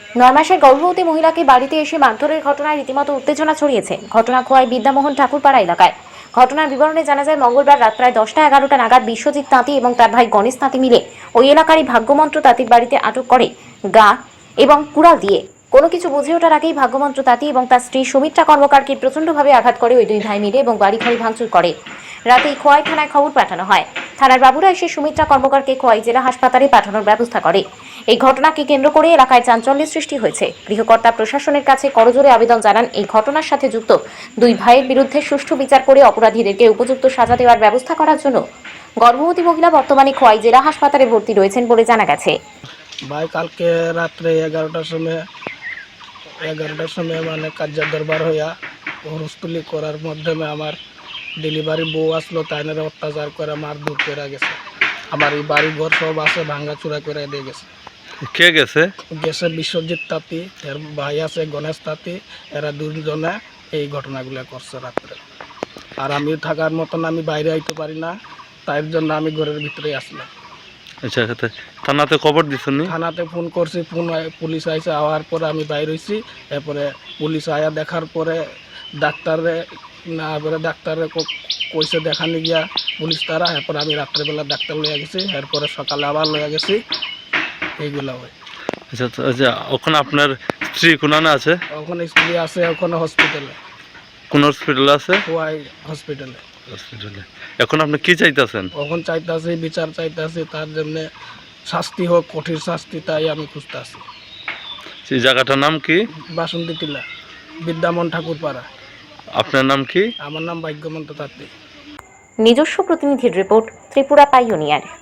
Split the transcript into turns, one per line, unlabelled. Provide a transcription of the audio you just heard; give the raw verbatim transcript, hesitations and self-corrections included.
নয় মাসের গর্ভবতী মহিলাকে বাড়িতে এসে মারধরের ঘটনায় রীতিমতো উত্তেজনা ছড়িয়েছে। ঘটনা খোয়াই বিদ্যামোহন ঠাকুরপাড়া এলাকায়। ঘটনার বিবরণে জানা যায়, মঙ্গলবার রাত প্রায় দশটা এগারোটা নাগাদ বিশ্বজিৎ তাঁতি এবং তার ভাই গণেশ তাঁতি মিলে ওই এলাকারই ভাগ্যমন্ত্র তাঁতির বাড়িতে আটক করে গা এবং কুড়াল দিয়ে। কোনো কিছু বুঝে ওঠার আগেই ভাগ্যমন্ত্র তাঁতি এবং তার স্ত্রী সুমিত্রা কর্মকারকে প্রচণ্ডভাবে আঘাত করে ওই দুই ভাই মিলে এবং বাড়িঘড়ি ভাঙচুর করে। রাতেই খোয়াই থানায় খবর পাঠানো হয়। থানার বাবুরা এসে সুমিত্রা কর্মকারকে খোয়াই জেলা হাসপাতালে পাঠানোর ব্যবস্থা করে। এই ঘটনাকে কেন্দ্র করে এলাকায় চাঞ্চল্যের সৃষ্টি হয়েছে। গৃহকর্তা প্রশাসনের কাছে করজোড়ে আবেদন জানান এই ঘটনার সাথে যুক্ত দুই ভাইয়ের বিরুদ্ধে সুষ্ঠু বিচার করে অপরাধীদেরকে উপযুক্ত সাজা দেওয়ার ব্যবস্থা করার জন্য। গর্ভবতী মহিলা বর্তমানে খোয়াই জেলা হাসপাতালে ভর্তি রয়েছেন বলে জানা গেছে।
ভাই কালকে রাত্রে এগারোটার সময় এগারোটার সময় মানে কার্যার দরবার হইয়া হরস্তুলি করার মাধ্যমে আমার ডেলিভারি বউ আসলো, তাইনারা অত্যাচার করে মার দূর করে গেছে। আমার এই বাড়ি ঘর সব আছে ভাঙ্গা চূড়া করে দিয়ে গেছে।
কে গেছে?
গেছে বিশ্বজিৎ তাঁতি, এর ভাই আছে গণেশ তাঁতি। এরা দুজনে এই ঘটনাগুলো করছে রাত্রে। আর আমি থাকার মতন আমি বাইরে আইতে পারি না, তাই জন্য আমি ঘরের ভিতরে আসলাম।
আচ্ছা, থানাতে খবর দিছেন?
থানাতে ফোন করছি, ফোন পুলিশ আইসে, আওয়ার পরে আমি বাইর হয়েছি। এরপরে পুলিশ আয়া দেখার পরে ডাক্তারে না এবারে ডাক্তারে কইসে দেখানি গিয়া পুলিশ তারা। এরপরে আমি রাত্রেবেলা ডাক্তার লইয়া গেছি, এরপরে সকালে আবার লইয়া গেছি। এইগুলা হয়।
আচ্ছা আচ্ছা, ওখানে আপনার স্ত্রী কোনানে আছে?
ওখানে স্ত্রী আছে, ওখানে হসপিটালে।
কোন হসপিটালে আছে?
খোয়াই হসপিটালে।
হসপিটালে। এখন আপনি কি চাইতেছেন?
ওখানে চাইতেছি বিচার চাইতেছি, তার জন্য শাস্তি হোক, কঠিন শাস্তি, তাই আমি খুঁজতে আছি।
সেই জায়গাটার নাম কি?
বাসন্তী টিলা, বিদ্যামোহন ঠাকুরপাড়া।
আপনার নাম কি?
আমার নাম ভাগ্যমন্ত্র তাঁতি।
নিজস্ব প্রতিনিধির রিপোর্ট, ত্রিপুরা পাইওনিয়ার।